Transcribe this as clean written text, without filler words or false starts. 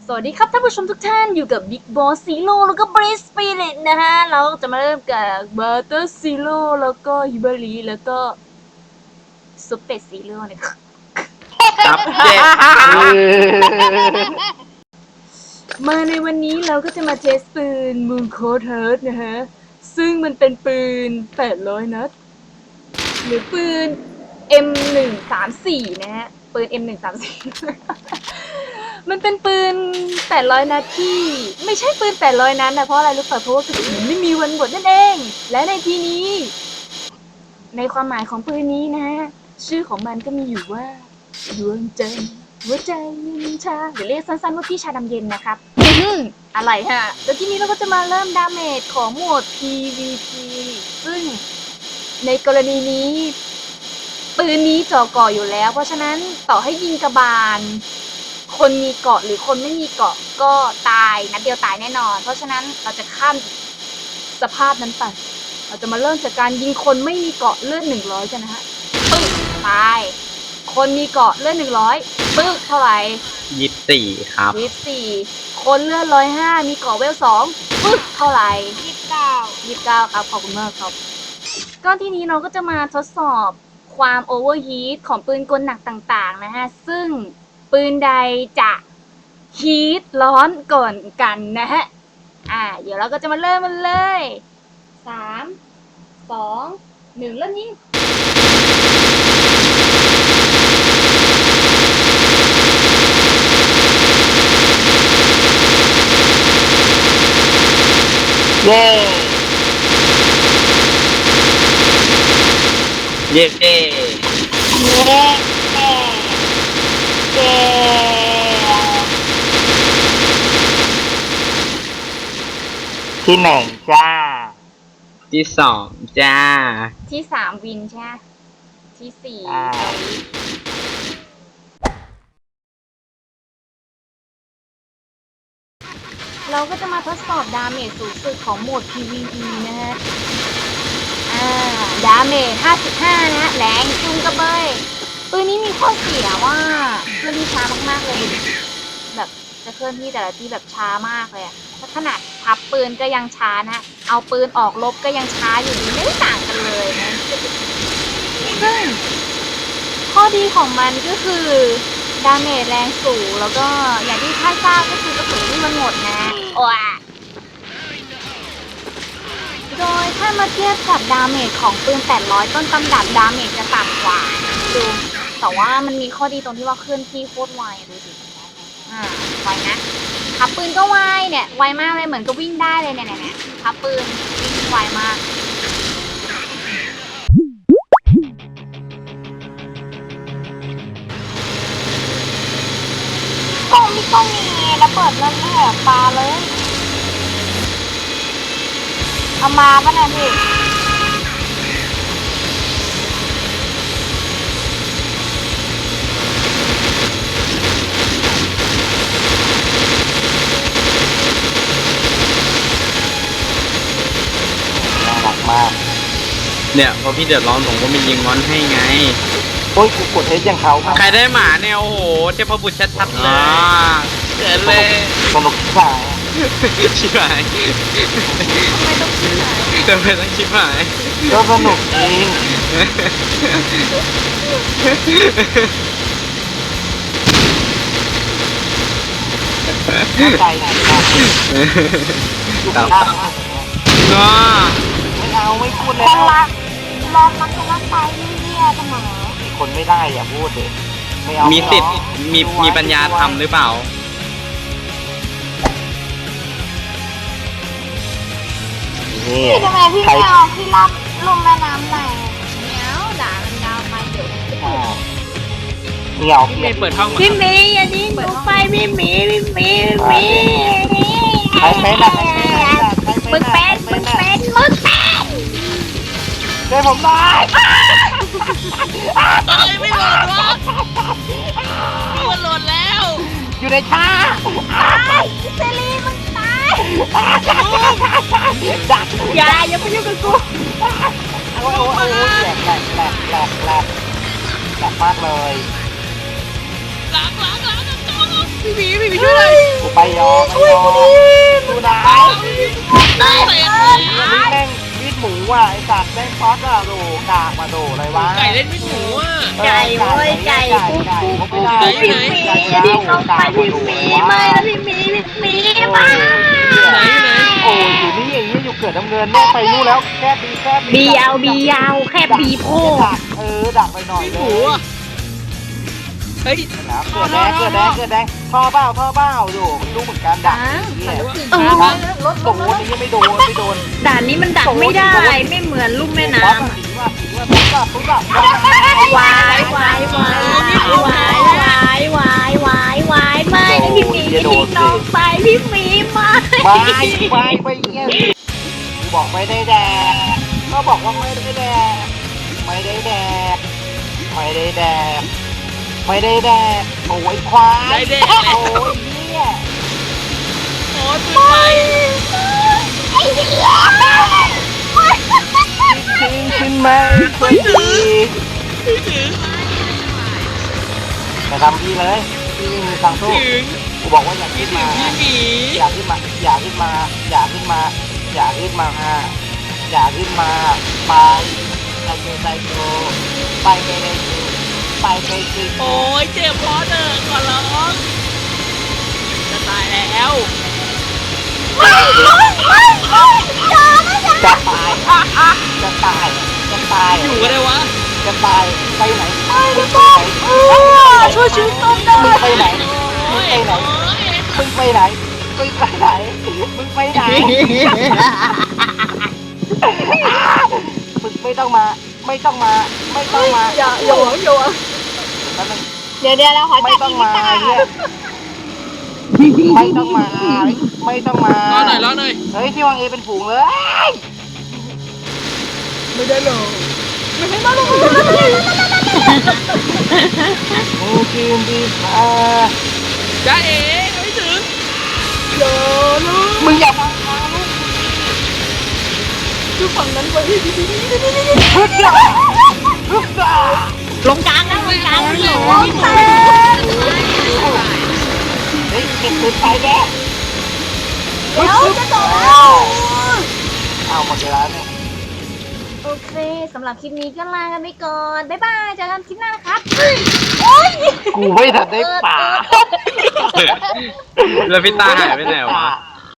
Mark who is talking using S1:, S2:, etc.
S1: สวัสดีครับท่านผู้ชมทุกท่านอยู่กับ Big Boss Zero แล้วก็ Breeze Spirit นะฮะเราจะมาเริ่มกับ Butter Zero แล้วก็ Hibari แล้วก็ Super Zero นะครับ
S2: ครับเจ็ด
S1: มาในวันนี้เราก็จะมาเทสปืน Moon Coat Heart นะฮะซึ่งมันเป็นปืน800นัดหรือปืน M134 นะฮะปืน M134 มันเป็นปืน800นัดที่ไม่ใช่ปืน800นัดนะเพราะอะไรรู้ป่ะเพราะว่ากระสุนมันไม่มีวันหมดนั่นเองและในที่นี้ในความหมายของปืนนี้นะฮะชื่อของมันก็มีอยู่ว่าดวงใจหัวใจยินชาเดี๋ยวเรียกสั้นๆว่าพี่ชาดำเย็นนะครับอะไรฮะแล้วที่นี้เราก็จะมาเริ่มดาเมจของโหมด PVP ซึ่งในกรณีนี้ปืนนี้จ่อก่ออยู่แล้วเพราะฉะนั้นต่อให้ยิงกระบาลคนมีเกาะหรือคนไม่มีเกาะก็ตายนัดเดียวตายแน่นอนเพราะฉะนั้นเราจะข้ามสภาพนั้นไปเราจะมาเริ่มจากการยิงคนไม่มีเกาะเลือด100กันนะฮะปึ๊กตายคนมีเกาะเลือด100ปึ๊กเท่าไหร่
S2: 24ครับ
S1: 24คนเลือด105มีเกาะเวล2ปึ๊กเท่าไหร่29ครับขอบคุณมากครับก็ทีนี้เราก็จะมาทดสอบความโอเวอร์ฮีทของปืนกลหนักต่างๆนะฮะซึ่งปืนใดจะฮีทร้อนก่อนกันนะฮะเดี๋ยวเราก็จะมาเริ่มมันเลย3 2 1เริ่มยิง
S2: เย้เย้
S3: ที่หนึ่งจ้า
S2: ที่2จ้า
S1: ที่3วินใช่ไหมที่4เราก็จะมาทดสอบดาเมจสูงสุดของโหมด PVE นะฮะดาเมจ55นะฮะแรงจุงกระเบยปืนนี้มีข้อเสียว่าเคลื่อนที่ช้ามากๆเลยแบบจะเคลื่อนที่แต่ละที่แบบช้ามากเลยถ้าขนาดพับปืนก็ยังช้านะเอาปืนออกลบก็ยังช้าอยู่ดีไม่ได้ต่างกันเลยนะซึ่งข้อดีของมันก็คือดาเมจแรงสูงแล้วก็อย่างที่ท่านทราบก็คือกระสุนที่มันหมดนะโอ้ยโดยถ้ามาเทียบกับดาเมจของปืน800ต้นตำดับดาเมจจะต่ำกว่าดูแต่ว่ามันมีข้อดีตรงที่ว่าเคลื่อนที่โคตรไวดูสิไวนะขับปืนก็ไวเนี่ยไวมากเลยเหมือนก็วิ่งได้เลยเนี่ยขับปืนวิ่งไวมากต้องมีระเบิดนั่นแหละปลาเลยเอามาป่ะเนี่ยพี่
S3: น่ารักมาก
S2: เนี่ยพอพี่เดือดร้อนผมก็มียิงมอนให้ไง
S3: โอ้ยกูกดเทสอย่างเขา
S2: ใครได้หมาเนี่ยโอ้โหเทพบุตรชัดๆเลยเกิดเลย
S3: สนุกที่ฝ่าย
S2: ชิบหาย
S1: ไม่ต้องคิดหาย
S2: ทำไมต้องชิบหาย
S3: ก็สนุกจริงใจดีมากดูข้างมากไม่เอาไม่พูดเลย
S1: คนรักรอมันจะรักไปเรื่อยๆเสมอ
S3: คนไม่ได้อย่าพูดเลยไม่เอา
S2: มีสิทธิ์มีปัญญาทำหรือเปล่า
S1: พี่ทำไมพี่ไม่เอาพี่รับลงแม่น้ำไหนเนี้ยด่ามันดาวไปเดี๋ยว
S3: เดี๋ยว
S2: ไม่เปิดห้อง
S1: พี่มีอย่าดิ้นหนูไปพี่มี
S3: ใครเป็นอะ
S1: มึงเป็น
S3: ช่วยผมหน่อย
S4: ไม่หล่นวะมันหล่นแล้ว
S3: อยู่ในชา
S1: เซรีมึงตาย
S3: ดัก
S1: อย่าไปยุ่งกับกู
S3: โอ้ยแหลกมากเลย
S4: หลังพี่หมีช่วยเลย
S3: กูไปยอมไม่ยอมดูนะ
S4: ได้เลย
S3: อันนี้แม่งมีดหมูอ่ะไอ้สัตว์แม่งซอสอ่ะโดกากมาโดอะไรวะ
S2: ไก่เล่นไม่หมูอ่ะ
S5: ไก่เว้ยไก่ปุ๊บปุ๊บปุ๊บพี่หมีพี่เขาไปพี่หมีไม่แล้วพี่หมีมา
S2: ไหนอยู่ไหน
S3: โอ้ยอยู่นี่ไอ้ยี่อยู่เกิดน้ำเงินแม่ไปนู่นแล้วแค่บี
S5: บียาวแค่บีโพ
S3: ดักดักไปหน่อย
S2: ไม่
S3: เล
S2: หมู
S3: ย
S2: อ่ะเฮ้ย
S3: แล้วเกิดแดงท่อเบ้าอยู่ไม่รู้เหมือนกันดักเนี่ย
S1: รถ
S3: โดนนี่ยังไม่โดน
S5: ด่านนี้มันดักไม่ได้ไม่เหมือนลุ่มแม่น้ำ
S3: สีว่าตุ๊บ
S5: วายวายวายวายวายวายวายไม่นะพี่หมีทิ้งน้องไปพี่หมีไม่
S3: ไปเงี้ยบอกไม่ได้แดกก็บอกว่าไม่ได้แดกไม่ได้แดกโอ้ยควายโอ้ยเนี่ย
S2: โอ้ยปืนไฟ
S3: ขึ้นมาไม่ดี
S2: ไม่ถึง
S3: แต่ทำพี่เลยพี่มีทางสู้
S2: ถึง
S3: กูบอกว่าอย่า
S2: พี่
S3: ขึ้น
S2: ถึง
S3: มา
S2: พี่หมี
S3: อย่าขึ้นมาไปไกลโตไปไกลสิ
S2: โอ้ยเจ็บพอเถอะขอร้องจะตายแล้ว
S3: จะตาย
S2: อยู่กันได้วะ
S3: จะตายไปไหน
S1: ช่วยชีวิตต้นได้
S3: มึงไปไหน
S2: โอ้ย
S3: มึงไปไหนมึงไม่ต้องมา
S1: อย่าหวัง
S5: เดี๋ยวเราขอ
S3: ไม่
S5: จับ
S3: ต้อง
S5: อี
S3: มา
S5: ตา
S3: เนี่ยไม่ต้องมา
S2: รอหน่อย
S3: เฮ้ยที่วางเอเป็นฝูงเลย
S1: ไม่ได้หรอกไม่ให้มาหรอก
S3: มึงกินดีมา
S2: จ้าเอ๋ไม่ถึง
S1: อย่าลูก
S3: มึงอย่ามา
S1: คือฝั่งนั้นไป
S3: ฮึดจ้า
S5: ลงกลางนะลงกลางเลย
S3: เฮ้ยเก็บปืนไปแก
S1: เดี๋ยวจะจบแล้ว
S3: เอาหมดเวลาเนี่ย
S1: โอเคสำหรับคลิปนี้ก็ลากันไปก่อนบ๊ายบายเจอกันคลิปหน้านะครับโอ๊ย
S3: กูไม่ทันได้ป่า
S2: แล้วพี่ตาหายไปไหนวะ